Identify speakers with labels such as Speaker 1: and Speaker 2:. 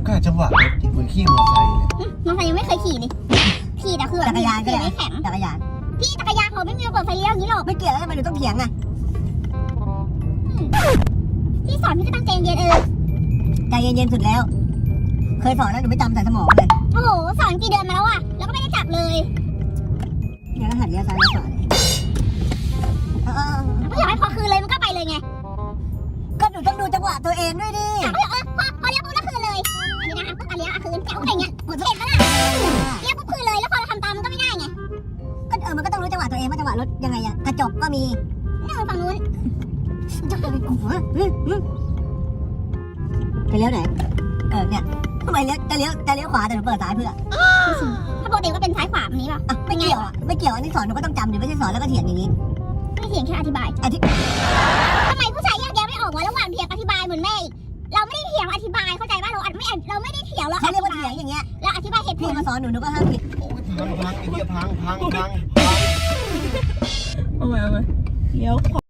Speaker 1: กล้าจังหวะรถเหมือนขี่มอเตอร์ไซค์เลย
Speaker 2: มอเตอร์ไซค์ยังไม่เคยขี่เลยขี่แต่คือแบบ
Speaker 3: จักรยานก็
Speaker 2: ขี่
Speaker 3: ได้
Speaker 2: ไม่แข็ง
Speaker 3: จักรยาน
Speaker 2: พี่จักรยานเขาไม่มีระเบิดไฟเลี้ยวอย่างนี้หรอก
Speaker 3: ไม่เกี่ยวแล้วทำไมหนูต้องเถียงอ่ะ
Speaker 2: พี่สอนพี่ก็ตั้งใจเย็น
Speaker 3: ใจเย็นๆสุดแล้ว เคยสอนแล้วหนูไม่จำใส่สมองเลย
Speaker 2: โอ้โหสอนกี่เดือนมาแล้วอะแล้วก็ไม่ได้จับเลย
Speaker 3: เนี่ยก็หัดเลี้ยวซ้ายเลี้ยวขวาเลย
Speaker 2: ก็อยากให้พอคืนเลยมันก็ไปเลยไง
Speaker 3: ก็หนูต้องดูจังหวะตัวเองด้วยดิ
Speaker 2: พอเลี้ยวปุ๊บแล้วคืนเลยอันนี้นะคะปุ๊บเลี้ยวคืนแจ๋วอะไรเงี้ยเห็นปะล่ะเลี้ยวปุ๊บคืนเลยแล้วพอเราทำตามมันก็ไม่ได้ไง
Speaker 3: ก็มันก็ต้องรู้จังหวะตัวเองว่าจังหวะรถยังไงอะกระจกก็มี
Speaker 2: นี่ฝั่งนู้น
Speaker 3: จะไปกลัวไปเลี้ยวไหนเนี่ยทำไมจะเลี้ยวขวาแต่หนูเปิดซ้ายเพื่อ
Speaker 2: ถ้าปกติก็เป็นซ้ายขวาแบบนี้ป่ะ
Speaker 3: ไม่เกี่ยวอ่ะไม่เกี่ยวอันนี้สอนหนูก็ต้องจำหนูไม่ใช่สอนแล้วก็เถียงอย่างนี้
Speaker 2: ไม่เถียงแค่อธิบายทำไมผู้ชายแยกแยะไม่ออกวะระหว่างเถียงอธิบายเหมือนแม่อีกเราไม่ได้เถียงอธิบายเข้าใจป่ะเราไม่ได้เถียงเรา
Speaker 3: เขาเรียกว่าเถียงอย่างเงี้ย
Speaker 2: เราอธิบายเหตุผ
Speaker 3: พี่
Speaker 2: ล
Speaker 3: มาสอนหนูก็ห้ามผิด
Speaker 1: โอ้ยพังไอ้เหี้ยพัง
Speaker 4: เอาไว้เลี้ยวขวา